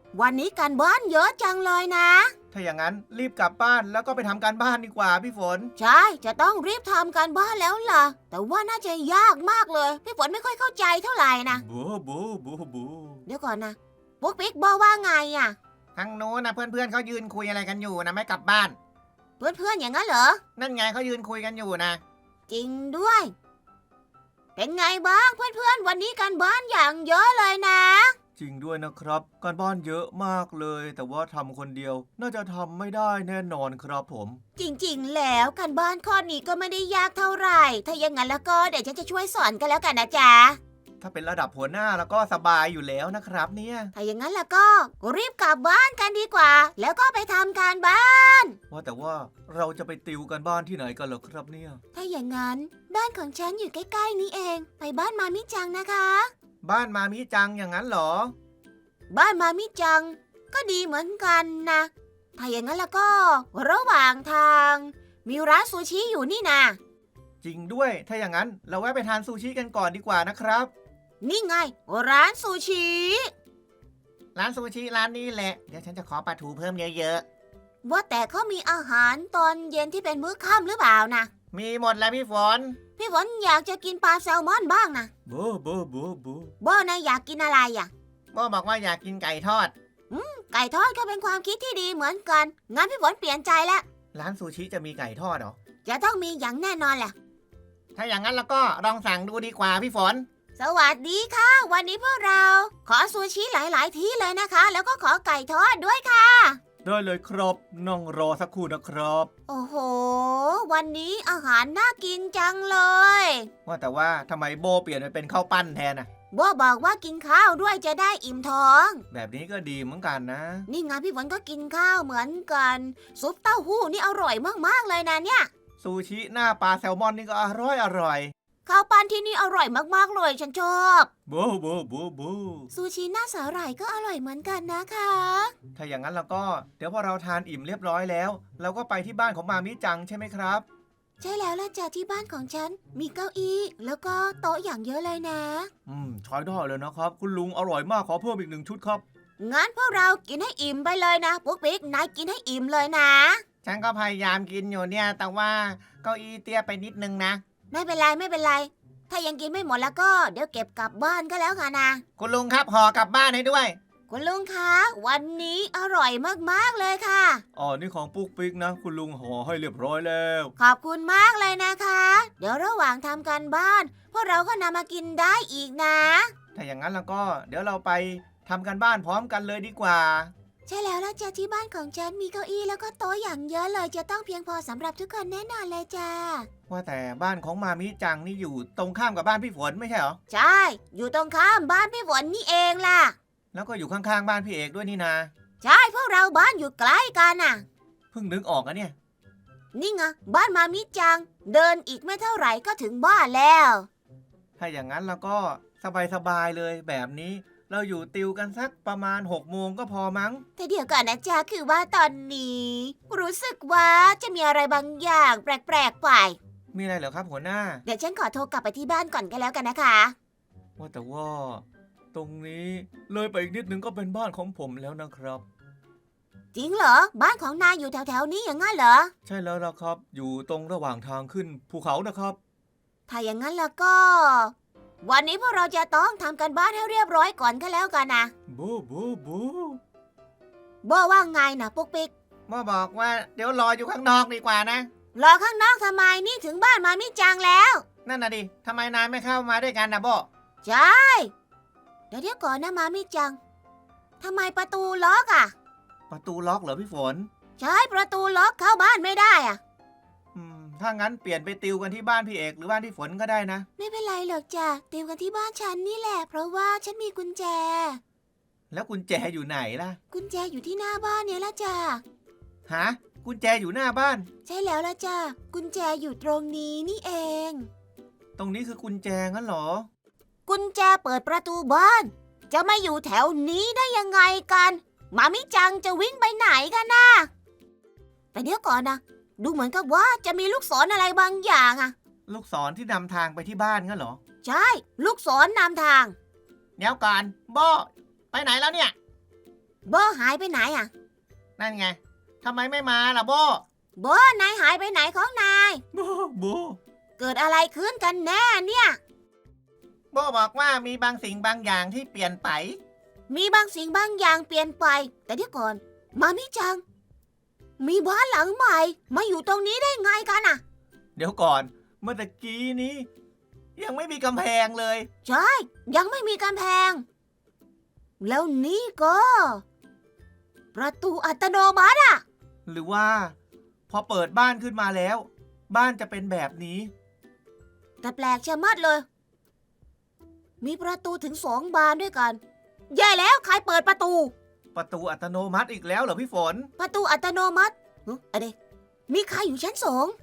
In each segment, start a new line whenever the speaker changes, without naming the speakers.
วันนี้การบ้านเยอะจังเลยนะ
ถ้าอย่างนั้นรีบกลับบ้านแล้วก็ไปทำการบ้านดีกว่าพี่ฝน
ใช่จะต้องรีบทำการบ้านแล้วล่ะแต่ว่าน่าจะยากมากเลยพี่ฝนไม่ค่อยเข้าใจเท่าไหร่นะ
บูบูบูบู
เดี๋ยวก่อนนะปุ๊กปิ๊กบอกว่าไงอ่ะ
ทางโน้นนะเพื่อนๆเขายืนคุยอะไรกันอยู่นะไม่กลับบ้าน
เพื่อนๆอย่างนั้นเหรอ
นั่นไงเขายืนคุยกันอยู่นะ
จริงด้วย เป็นไงบ้างเพื่อนๆวันนี้การบ้านอย่างเยอะเลยนะ
จริงด้วยนะครับการบ้านเยอะมากเลย แต่ว่าทำคนเดียวน่าจะทำไม่ได้แน่นอนครับผม
จริงๆแล้วการบ้านข้อนี้ก็ไม่ได้ยากเท่าไหร่ถ้าอย่างนั้นแล้วก็เดี๋ยวฉันจะช่วยสอนกันแล้วกันนะจ๊ะ
ถ้าเป็นระดับหัวหน้าแล้วก็สบายอยู่แล้วนะครับเนี่ย
ถ้าอย่างนั้นแล้วก็รีบกลับบ้านกันดีกว่า แล้วก็ไปทำการบ้าน
ว่าแต่ว่าเราจะไปติวกันบ้านที่ไหนกันเหรอครับเนี่ย
ถ้าอย่างนั้นบ้านของฉันอยู่ใกล้ๆนี้เองไปบ้านมามิจังนะคะ
บ้านมามิจังอย่างนั้นเหรอ
บ้านมามิจังก็ดีเหมือนกันนะถ้าอย่างนั้นแล้วก็ระหว่างทาง มีร้านซูชิอยู่นี่นะ
จริงด้วยถ้าอย่างนั้นเราแวะไปทานซูชิกันก่อนดีกว่านะครับ
นี่ไงร้านซูชิ
ร้านซูชิร้านนี้แหละเดี๋ยวฉันจะขอปลาทูเพิ่มเยอะ
ว่าแต่เขามีอาหารตอนเย็นที่เป็นมื้อค่ำหรือเปล่านะ
ๆมีหมดแล้วพี่ฝน
พี่ฝนอยากจะกินปลาแซลมอนบ้างนะ
บูบูบูบู
โบนายอยากกินอะไรอ่ะ
โบบอกว่าอยากกินไก่ทอด
ไก่ทอดก็เป็นความคิดที่ดีเหมือนกันงั้นพี่ฝนเปลี่ยนใจแล้ว
ร้านซูชิจะมีไก่ทอดเหรอ
จะต้องมีอย่างแน่นอนแหละ
ถ้าอย่างนั้นแล้วก็ลองสั่งดูดีกว่าพี่ฝน
สวัสดีค่ะ วันนี้พวกเรา ขอซูชิหลาย ๆ ที่เลยนะคะ แล้วก็ขอไก่ทอดด้วยค่ะ
ได้เลยครับนั่งรอสักครู่นะครับ
โอ้โห วันนี้อาหารน่ากินจังเลย
ว่าแต่ว่าทำไมโบเปลี่ยนไปเป็นข้าวปั้นแทนน่ะ
โบบอกว่ากินข้าวด้วยจะได้อิ่มท้อง
แบบนี้ก็ดีเหมือนกันนะ
นี่ไงพี่ฝนก็กินข้าวเหมือนกัน ซุปเต้าหู้นี่อร่อยมาก ๆ เลยนะเนี่ย
ซูชิหน้าปลาแซลมอนนี่ก็อร่อย
ข้าวปั้นที่นี่อร่อยมาก ๆ เลยฉันชอบ
บูบูบูบู
ซูชิหน้าสาหร่ายก็อร่อยเหมือนกันนะคะ
ถ้าอย่างนั้นแล้วก็เดี๋ยวพอเราทานอิ่มเรียบร้อยแล้ว เราก็ไปที่บ้านของมามิจังใช่ไหมครับ
ใช่แล้วล่ะจ้ะที่บ้านของฉัน มีเก้าอี้แล้วก็โต๊ะอย่างเยอะเลยนะ
ใช้ได้เลยนะครับ คุณลุงอร่อยมากขอเพิ่มอีก1 ชุดครับ
งั้นพวกเรากินให้อิ่มไปเลยนะปุ๊กปิ๊กนายกินให้อิ่มเลยนะ
ฉันก็พยายามกินอยู่เนี่ย แต่ว่าเก้าอี้เตี้ยไปนิดนึงนะ
ไม่เป็นไรไม่เป็นไร ถ้ายังกินไม่หมดแล้วก็เดี๋ยวเก็บกลับบ้านก็แล้วกันนะ
คุณลุงครับห่อกลับบ้านให้ด้วย
คุณลุงคะวันนี้อร่อยมากๆเลยค่ะ
อ๋อนี่ของปุ๊กปิ๊กนะ คุณลุงห่อให้เรียบร้อยแล้ว
ขอบคุณมากเลยนะคะ เดี๋ยวระหว่างทำการบ้าน พวกเราก็นำมากินได้อีกนะ
ถ้าอย่างนั้นแล้วก็เดี๋ยวเราไปทำกันบ้านพร้อมกันเลยดีกว่า
ใช่แล้วล่ะจ้ะที่บ้านของฉันมีเก้าอี้แล้วก็โต๊ะอย่างเยอะเลยจะต้องเพียงพอสำหรับทุกคนแน่นอนเลยจ้า
ว่าแต่บ้านของมามิจังนี่อยู่ตรงข้ามกับบ้านพี่ฝนไม่ใช่เหรอ
ใช่ อยู่ตรงข้ามบ้านพี่ฝนนี่เองล่ะ
แล้วก็อยู่ข้างๆบ้านพี่เอกด้วยนี่นา
ใช่พวกเราบ้านอยู่ใกล้กันน่ะ
เพิ่งนึกออกอะเนี่ย
นี่ไงบ้านมามิจัง เดินอีกไม่เท่าไหร่ก็ถึงบ้านแล้ว
ถ้าอย่างนั้นแล้วก็สบายๆเลยแบบนี้ เราอยู่ติวกันสักประมาณ6 โมงก็พอมั้ง
แต่เดี๋ยวก่อนนะจ๊ะคือว่าตอนนี้ รู้สึกว่าจะมีอะไรบางอย่างแปลกๆไป
มีอะไรเหรอครับหัวหน้า
เดี๋ยวฉันขอโทรกลับไปที่บ้านก่อนก็แล้วกันนะคะ
ว่าแต่ว่า ตรงนี้เลยไปอีกนิดนึงก็เป็นบ้านของผมแล้วนะครับ
จริงเหรอ บ้านของนายอยู่แถวๆนี้อย่างงั้นเหรอ
ใช่แล้วล่ะครับ อยู่ตรงระหว่างทางขึ้นภูเขานะครับ
ถ้าอย่างนั้นแล้วก็ วันนี้พวกเราจะต้องทำกันบ้านให้เรียบร้อยก่อนก็แล้วกันนะ
บูบูบู
โบว่าไงนะปุ๊กปิ๊ก
มาบอกว่าเดี๋ยวรออยู่ข้างนอกดีกว่านะ
รอข้างนอกทำไมนี่ถึงบ้านมามิจังแล้ว
นั่นน่ะดิทำไมนายไม่เข้ามาด้วยกันนะโบ
ใช่ เดี๋ยวก่อนนะมามิจังทำไมประตูล็อกอ่ะ
ประตูล็อกเหรอพี่ฝน
ใช่ประตูล็อกเข้าบ้านไม่ได้อ่ะ
ถ้างั้นเปลี่ยนไปติวกันที่บ้านพี่เอกหรือบ้านพี่ฝนก็ได้นะ
ไม่เป็นไรหรอกจ้ะเตรียมกันที่บ้านฉันนี่แหละ เพราะว่าฉันมีกุญแจ
แล้วกุญแจอยู่ไหนล่ะ
กุญแจอยู่ที่หน้าบ้านเนี่ยละจ้ะ
ฮะกุญแจอยู่หน้าบ้าน
ใช่แล้วละจ้ะกุญแจอยู่ตรงนี้นี่เอง
ตรงนี้คือกุญแจงั้นเหรอ
กุญแจเปิดประตูบ้าน จะมาอยู่แถวนี้ได้ยังไงกันมามิจังจะวิ่งไปไหนกันนะแต่เดี๋ยวก่อนนะดูเหมือนกับว่าจะมีลูกศรอะไรบางอย่างอะ
ลูกศรที่นำทางไปที่บ้านงั้นเหรอ
ใช่ ลูกศรนำทาง
เดี๋ยวก่อนโบไปไหนแล้วเนี่ย
โบหายไปไหนอ่ะ
นั่นไงทำไมไม่มาล่ะโบ
โบนายหายไปไหนของนาย
โบ
เกิดอะไรขึ้นกันแน่เนี่ย
โบบอกว่ามีบางสิ่งบางอย่างที่เปลี่ยนไป
มีบางสิ่งบางอย่างเปลี่ยนไป แต่เดี๋ยวก่อนมามิจัง มีบ้านหลังใหม่มาอยู่ตรงนี้ได้ไงกันอ่ะ
เดี๋ยวก่อนเมื่อตะกี้นี้ ยังไม่มีกำแพงเลย
ใช่ยังไม่มีกำแพง แล้วนี่ก็ ประตูอัตโนมัติอ่ะ
หรือว่า พอเปิดบ้านขึ้นมาแล้ว บ้านจะเป็นแบบนี้
แต่แปลกชะมัดเลย มีประตูถึง2 บานด้วยกันแย่แล้วใครเปิดประตู
ประตูอัตโนมัติอีกแล้วเหรอพี่ฝน
ประตูอัตโนมัติอะไรมีใครอยู่ชั้น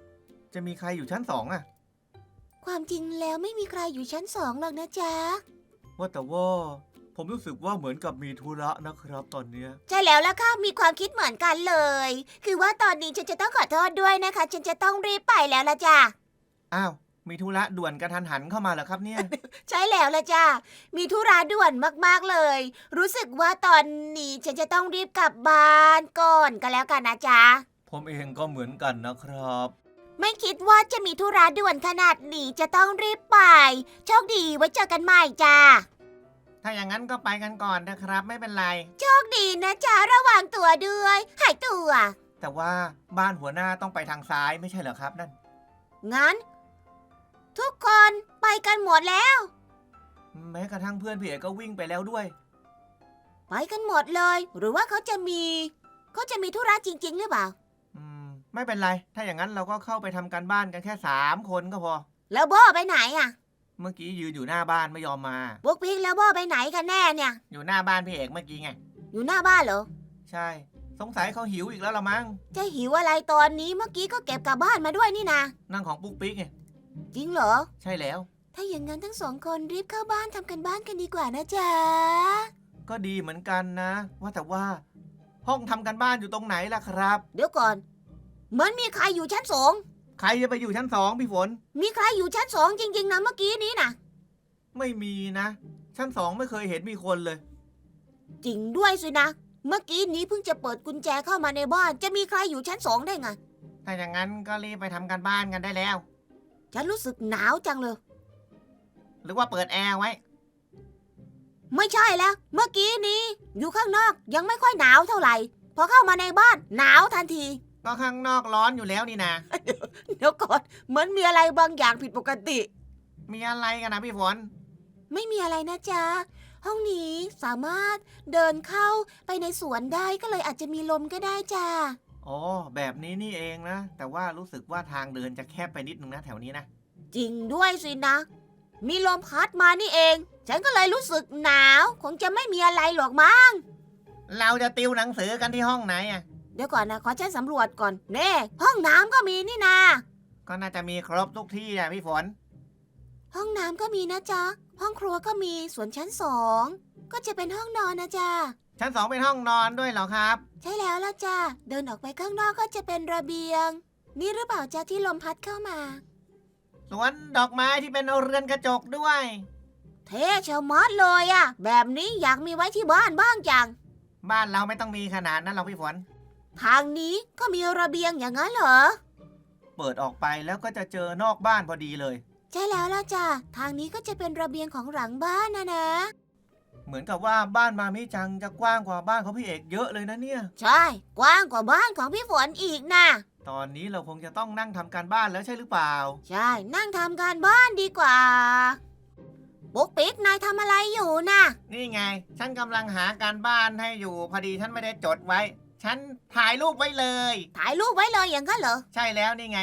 2
จะมีใครอยู่ชั้น2อ่ะ
ความจริงแล้วไม่มีใครอยู่ชั้น2หรอกนะจ๊ะ
ว่าแต่ว่าผมรู้สึกว่าเหมือนกับมีธุระนะครับตอนเนี้ย
ใช่แล้วล่ะค่ะมีความคิดเหมือนกันเลย คือว่าตอนนี้ฉันจะต้องขอโทษด้วยนะคะ ฉันจะต้องรีบไปแล้วละจ้ะ
อ้าวมีธุระด่วนกระทันหันเข้ามาเหรอครับเนี่ย
ใช่แล้วละจ้ะมีธุระด่วนมากๆเลย รู้สึกว่าตอนนี้ฉันจะต้องรีบกลับบ้านก่อนก็แล้วกันนะจ๊ะ
ผมเองก็เหมือนกันนะครับ
ไม่คิดว่าจะมีธุระด่วนขนาดนี้จะต้องรีบไปโชคดีไว้เจอกันใหม่จ้ะ
ถ้าอย่างนั้นก็ไปกันก่อนนะครับ ไม่เป็นไร
โชคดีนะจ๊ะระวังตัวด้วยหายตัว
แต่ว่าบ้านหัวหน้าต้องไปทางซ้ายไม่ใช่เหรอครับนั่น
งั้น ทุกคนไปกันหมดแล้ว
แม้กระทั่งเพื่อนพี่เอกก็วิ่งไปแล้วด้วย
ไปกันหมดเลย หรือว่าเขาจะมีธุระจริงๆหรือเปล่า
ไม่เป็นไร ถ้าอย่างนั้นเราก็เข้าไปทำการบ้านกันแค่3 คนก็พอ
แล้วโบไปไหนอ่ะ
เมื่อกี้ยืนอยู่หน้าบ้านไม่ยอมมา
บุ๊กปิ๊กแล้วโบไปไหนกันแน่เนี่ย
อยู่หน้าบ้านพี่เอกเมื่อกี้ไง
อยู่หน้าบ้านเหรอ
ใช่ สงสัยเขาหิวอีกแล้วละมั้ง
จะหิวอะไรตอนนี้เมื่อกี้ก็เก็บกลับบ้านมาด้วยนี่นะ
นั่งของปุ๊กปิ๊กไง
จริงเหรอ
ใช่แล้ว
ถ้าอย่างนั้นทั้ง2 คนรีบเข้าบ้านทำกันบ้านกันดีกว่านะจ๊ะ
ก็ดีเหมือนกันนะ ว่าแต่ว่า ห้องทำการบ้านอยู่ตรงไหนล่ะครับ
เดี๋ยวก่อนเหมือนมีใครอยู่ชั้น
ใครจะไปอยู่ชั้น2พี่ฝน
2มีใครอยู่ชั้น2จริงๆนะเมื่อกี้นี้นะ
ไม่มีนะ ชั้น2ไม่เคยเห็นมีคนเลย
จริงด้วยสินะ เมื่อกี้นี้เพิ่งจะเปิดกุญแจเข้ามาในบ้านจะมีใครอยู่ชั้น2ได้ไง
ถ้าอย่างนั้นก็รีบไปทำการบ้านกันได้แล้ว
ฉันรู้สึกหนาวจังเลย
หรือว่าเปิดแอร์ไว้
ไม่ใช่แล้ว เมื่อกี้นี้อยู่ข้างนอกยังไม่ค่อยหนาวเท่าไหร่พอเข้ามาในบ้านหนาวทันที
ก็ข้างนอกร้อนอยู่แล้วนี่นะ
เดี๋ยวก่อนเหมือนมีอะไรบางอย่างผิดปกติ
มีอะไรกันนะพี่ฝน
ไม่มีอะไรนะจ๊ะห้องนี้สามารถเดินเข้าไปในสวนได้ก็เลยอาจจะมีลมก็ได้จ้า
อ๋อแบบนี้นี่เองนะ แต่ว่ารู้สึกว่าทางเดินจะแคบไปนิดนึงนะแถวนี้นะ
จริงด้วยสินะ มีลมพัดมานี่เอง ฉันก็เลยรู้สึกหนาว คงจะไม่มีอะไรหรอกมั้ง
เราจะติวหนังสือกันที่ห้องไหนอ่ะ
เดี๋ยวก่อนนะขอฉันสำรวจก่อนเน่ห้องน้ำก็มีนี่นา
ก็น่าจะมีครบทุกที่อ่ะพี่ฝน
ห้องน้ำก็มีนะจ๊ะห้องครัวก็มีส่วนชั้น2ก็จะเป็นห้องนอนนะจ๊ะ
ชั้น2เป็นห้องนอนด้วยเหรอครับ
ใช่แล้วละจ้ะเดินออกไปข้างนอกก็จะเป็นระเบียง นี่หรือเปล่าจ๊ะที่ลมพัดเข้ามา
สวนดอกไม้ที่เป็นเรือนกระจกด้วย
เท่ชะมัดเลยอะแบบนี้อยากมีไว้ที่บ้านบ้างจัง
บ้านเราไม่ต้องมีขนาดนั้นหรอกพี่ฝน
ทางนี้ก็มีระเบียงอย่างนั้นเหรอ
เปิดออกไปแล้วก็จะเจอนอกบ้านพอดีเลย
ใช่แล้วล่ะจ้ะทางนี้ก็จะเป็นระเบียงของหลังบ้านนะ
เหมือนกับว่าบ้านมามิจังจะกว้างกว่าบ้านของพี่เอกเยอะเลยนะเนี่ย
ใช่กว้างกว่าบ้านของพี่ฝนอีกนะ
ตอนนี้เราคงจะต้องนั่งทำการบ้านแล้วใช่หรือเปล่า
ใช่นั่งทำการบ้านดีกว่าปุ๊กปิ๊กนายทำอะไรอยู่นะ
นี่ไง ฉันกำลังหาการบ้านให้อยู่ พอดีฉันไม่ได้จดไว้ ฉันถ่ายรูปไว้เลย
ถ่ายรูปไว้เลยอย่างนั้นเหรอ
ใช่แล้วนี่ไง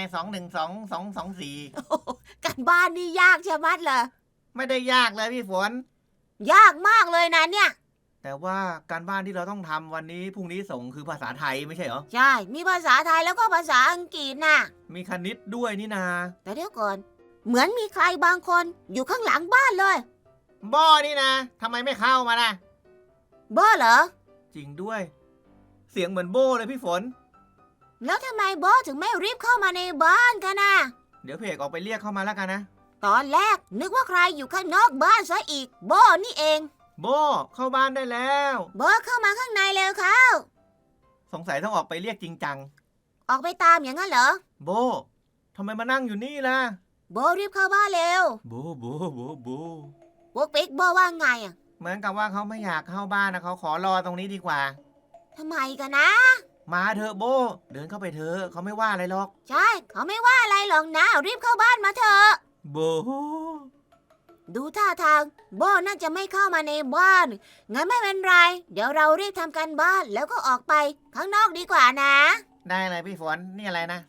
212224
การบ้านนี่ยากชะมัดเลย
ไม่ได้ยากเลยพี่ฝน
ยากมากเลยนะเนี่ย
แต่ว่าการบ้านที่เราต้องทำวันนี้พรุ่งนี้ส่งคือภาษาไทยไม่ใช่เหรอ
ใช่มีภาษาไทยแล้วก็ภาษาอังกฤษน่ะ
มีคณิตด้วยนี่นา
แต่เดี๋ยวก่อนเหมือนมีใครบางคนอยู่ข้างหลังบ้านเลย
บ้อนี่นะทำไมไม่เข้ามานะ
บ้าเหรอ
จริงด้วย เสียงเหมือนโบ้เลยพี่ฝน
แล้วทำไมบ้าถึงไม่รีบเข้ามาในบ้านกันนะ
เดี๋ยวเพกออกไปเรียกเข้ามาแล้วกันนะ
ตอนแรกนึกว่าใครอยู่ข้างนอกบ้านซะอีกบ้านี่เอง
โบเข้าบ้านได้แล้ว
โบเข้ามาข้างในเร็วเข้า
สงสัยต้องออกไปเรียกจริงจัง
ออกไปตามอย่างนั้นเหรอ
โบทำไมมานั่งอยู่นี่ล่ะ
โบรีบเข้าบ้านเร็ว
โบโบ
ปุ๊กปิ๊กโบว่าไงอ่ะ
เหมือนกับว่าเขาไม่อยากเข้าบ้านนะเขาขอรอตรงนี้ดีกว่า
ทำไมกันนะ
มาเถอะโบเดินเข้าไปเถอะเขาไม่ว่าอะไรหรอก
ใช่เขาไม่ว่าอะไรหรอกนะรีบเข้าบ้านมาเถอะ
โบ
ดูท่าทางโบน่าจะไม่เข้ามาในบ้าน งั้นไม่เป็นไร เดี๋ยวเรารีบทำการบ้านแล้วก็ออกไปข้างนอกดีกว่านะ
ได้เลยพี่ฝนนี่อะไรนะ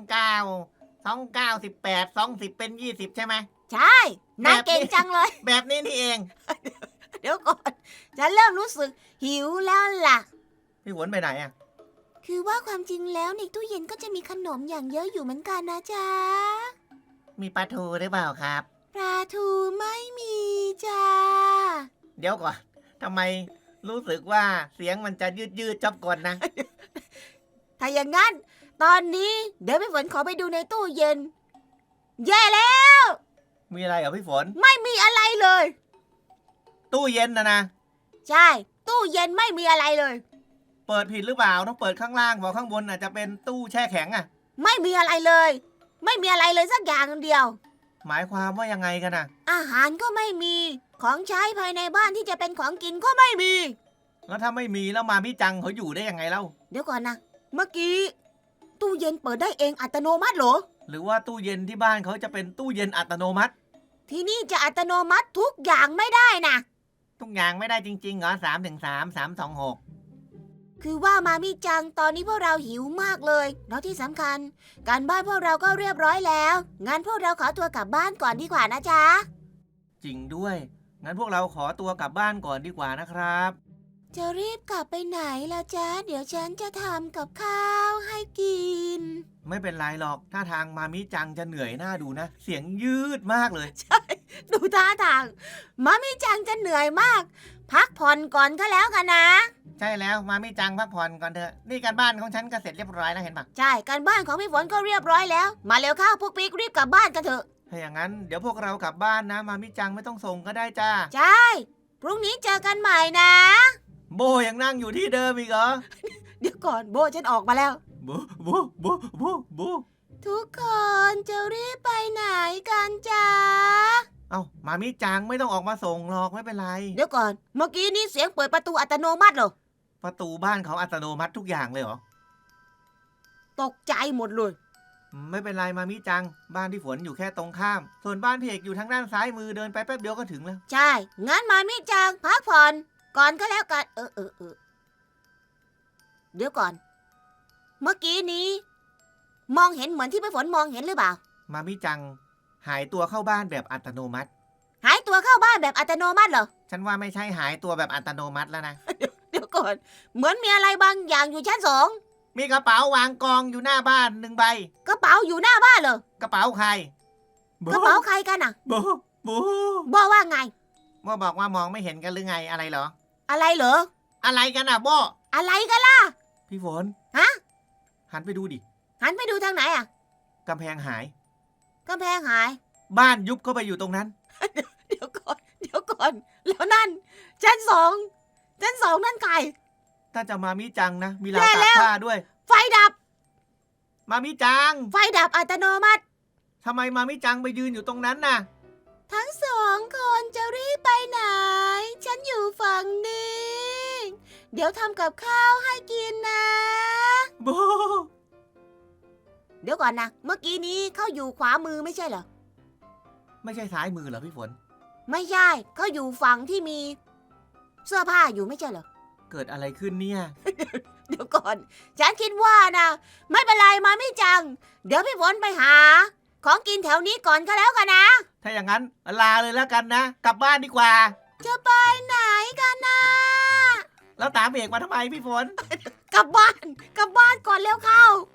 29 20เป็น20ใช่ไหม
ใช่นายเก่งจังเลย
แบบนี้นี่เอง
เดี๋ยวก่อนฉันเริ่มรู้สึกหิวแล้วล่ะ
พี่ฝนไปไหนอ่ะ
คือว่าความจริงแล้วในตู้เย็นก็จะมีขนมอย่างเยอะอยู่เหมือนกันนะจ๊ะ
มีปลาทูหรือเปล่าครับ
ปลาทูไม่มีจ้า
เดี๋ยวก่อนทำไมรู้สึกว่าเสียงมันจะยืดจอบกลนะ
ถ้าอย่างนั้น ตอนนี้เดี๋ยวพี่ฝนขอไปดูในตู้เย็น แย่แล้ว
มีอะไรเหรอพี่ฝน
ไม่มีอะไรเลย
ตู้เย็นนะ
ใช่ ตู้เย็นไม่มีอะไรเลย
เปิดผิดหรือเปล่าต้องเปิดข้างล่างเพราะข้างบนอาจจะเป็นตู้แช่แข็งอ่ะ
ไม่มีอะไรเลย ไม่มีอะไรเลยสักอย่างเดียว
หมายความว่ายังไงกันนะ
อาหารก็ไม่มี ของใช้ภายในบ้านที่จะเป็นของกินก็ไม่มี
แล้วถ้าไม่มีแล้วมาพี่จังเขาอยู่ได้ยังไงเล่า
เดี๋ยวก่อนนะ เมื่อกี้ ตู้เย็นเปิดได้เองอัตโนมัติเหรอ
หรือว่าตู้เย็นที่บ้านเขาจะเป็นตู้เย็นอัตโนมัติ
ที่นี่จะอัตโนมัติทุกอย่างไม่ได้นะ
ทุกอย่างไม่ได้จริงๆเหรอ3 ถึง 3
คือว่ามามิจังตอนนี้พวกเราหิวมากเลยแล้วที่สำคัญ การบ้านพวกเราก็เรียบร้อยแล้ว งั้นพวกเราขอตัวกลับบ้านก่อนดีกว่านะจ๊ะ
3 จริงด้วย งั้นพวกเราขอตัวกลับบ้านก่อนดีกว่านะครับ
จะรีบกลับไปไหนล่ะจ๊ะ เดี๋ยวฉันจะทำกับข้าวให้กิน
ไม่เป็นไรหรอกถ้าทางมามิจังจะเหนื่อยหน้าดูนะ เสียงยืดมากเลย
ดูท่าทางมามิจังจะเหนื่อยมาก พักผ่อนก่อนก็แล้วกันนะ
ใช่แล้วมามิจังพักผ่อนก่อนเถอะนี่การบ้านของฉันก็เสร็จเรียบร้อยแล้วเห็นปะ
ใช่การบ้านของพี่ฝนก็เรียบร้อยแล้ว มาเร็วเข้าพวกปิ๊กรีบกลับบ้านกันเถอะ
ถ้าอย่างนั้นเดี๋ยวพวกเรากลับบ้านนะ มามิจังไม่ต้องส่งก็ได้จ้า
ใช่พรุ่งนี้เจอกันใหม่นะ
โบยังนั่งอยู่ที่เดิมอีกเหรอ
เดี๋ยวก่อนโบฉันออกมาแล้ว
โบโบ
ทุกคนจะรีบไปไหนกันจ๊ะ
เอ้ามามิจังไม่ต้องออกมาส่งหรอกไม่เป็นไร
เดี๋ยวก่อน เมื่อกี้นี้เสียงเปิดประตูอัตโนมัติเหรอ
ประตูบ้านเขาอัตโนมัติทุกอย่างเลยเหรอ
ตกใจหมดเลย
ไม่เป็นไรมามิจัง บ้านพี่ฝนอยู่แค่ตรงข้าม ส่วนบ้านพี่เอกอยู่ทางด้านซ้ายมือเดินไปแป๊บเดียวก็ถึงแล้ว
ใช่ งั้นมามิจังพักผ่อนก่อนก็แล้วกัน เดี๋ยวก่อน เมื่อกี้นี้ มองเห็นเหมือนที่พี่ฝนมองเห็นหรือเปล่า
มามิจัง หายตัวเข้าบ้านแบบอัตโนมัติ
หายตัวเข้าบ้านแบบอัตโนมัติเหรอ
ฉันว่าไม่ใช่หายตัวแบบอัตโนมัติแล้วนะ
เดี๋ยวก่อน เหมือนมีอะไรบางอย่างอยู่ชั้น2
มีกระเป๋าวางกองอยู่หน้าบ้าน1 ใบ
กระเป๋าอยู่หน้าบ้านเหรอก
ระเป๋าใคร
กระเป๋าใครกันอ่ะ
โบ
บอกว่าไง
โบบอกว่ามองไม่เห็นกันหรือไงอะไรเหรอ
อะไรเหรอ
อะไรกันอ่ะโบ
อะไรกันล่ะ
พี่ฝน
ฮะ
หันไปดูดิ
หันไปดูทางไหนอ่ะ
กำแพงหาย
กำแพงหาย
บ้านยุบเข้าไปอยู่ตรงนั้น
เดี๋ยวก่อน แล้วนั่นชั้น2นั่นใคร
ถ้าจะมามิจังนะ มีราว
แย่
ตา
แล้
ก
ว
ผ้าด้วย
ไฟดับ
มามิจัง
ไฟดับอัตโนมัติ
ทำไมมามิจังไปยืนอยู่ตรงนั้นน่ะ
ทั้ง2 คนจะรีบไปไหน ฉันอยู่ฝั่งนี้ เดี๋ยวทำกับข้าวให้กินนะ
โบ
เดี๋ยวก่อนนะ เมื่อกี้นี้เขาอยู่ขวามือไม่ใช่เหรอ
ไม่ใช่ซ้ายมือเหรอพี่ฝน
ไม่ใช่เขาอยู่ฝั่งที่มี เสื้อผ้าอยู่ไม่ใช่เหรอ
เกิดอะไรขึ้นเนี่ย
เดี๋ยวก่อน ฉันคิดว่านะ ไม่เป็นไรมาไม่จัง เดี๋ยวพี่ฝนไปหา ของกินแถวนี้ก่อนก็แล้วกันนะ
ถ้าอย่างนั้นลาเลยแล้วกันนะ กลับบ้านดีกว่า
จะไปไหนกันนะ
แล้วตามเอกมาทำไมพี่ฝน
กลับบ้านก่อนเร็วเข้า